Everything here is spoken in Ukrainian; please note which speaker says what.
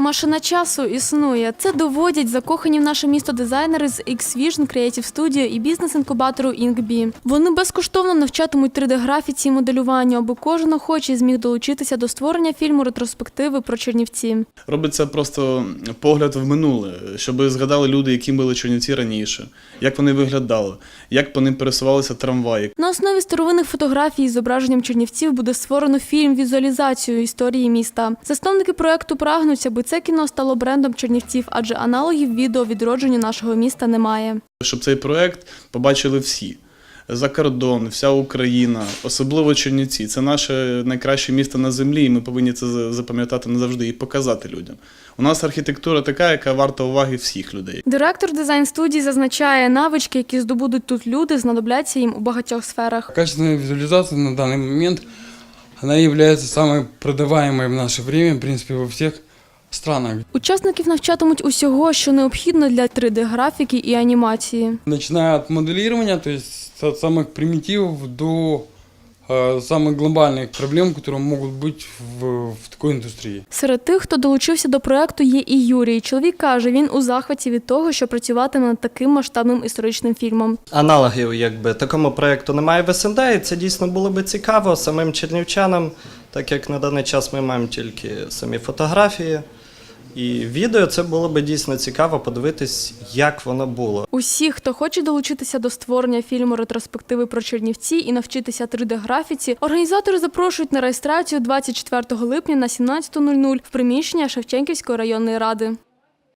Speaker 1: Машина часу існує. Це доводять закохані в наше місто дизайнери з X-Vision Creative Studio і бізнес-інкубатору Inkbee. Вони безкоштовно навчатимуть 3D-графіці і моделюванню, аби кожен охочий зміг долучитися до створення фільму ретроспективи про Чернівці.
Speaker 2: Робиться просто погляд в минуле, щоб згадали люди, які були Чернівці раніше, як вони виглядали, як по ним пересувалися трамваї.
Speaker 1: На основі старовинних фотографій з зображенням Чернівців буде створено фільм-візуалізацію історії міста. Засновники проєкту прагнуть, аби це кіно стало брендом Чернівців, адже аналогів відео відродженню нашого міста немає.
Speaker 2: Щоб цей проєкт побачили всі. За кордон, вся Україна, особливо Чернівці. Це наше найкраще місто на землі, і ми повинні це запам'ятати назавжди і показати людям. У нас архітектура така, яка варта уваги всіх людей.
Speaker 1: Директор дизайн-студії зазначає, навички, які здобудуть тут люди, знадобляться їм у багатьох сферах.
Speaker 3: Качественная визуализация на данный момент, она является самой продаваемой в наше время, в принципе, во всех странах.
Speaker 1: Учасників навчатимуть усього, що необхідно для 3D-графіки і анімації.
Speaker 3: Начиная от моделирования, то есть от самых примитивов до самых глобальных проблем, которые могут быть в такой индустрии.
Speaker 1: Серед тих, хто долучився до проєкту, є і Юрій. Чоловік каже, він у захваті від того, що працюватиме над таким масштабним історичним фільмом.
Speaker 4: Аналогів такому проєкту немає в СНД, і це дійсно було би цікаво самим чернівчанам, так як на даний час ми маємо тільки самі фотографії. І відео це було б дійсно цікаво подивитись, як воно було.
Speaker 1: Усі, хто хоче долучитися до створення фільму ретроспективи про Чернівці і навчитися 3D-графіці, організатори запрошують на реєстрацію 24 липня на 17:00 в приміщення Шевченківської районної ради.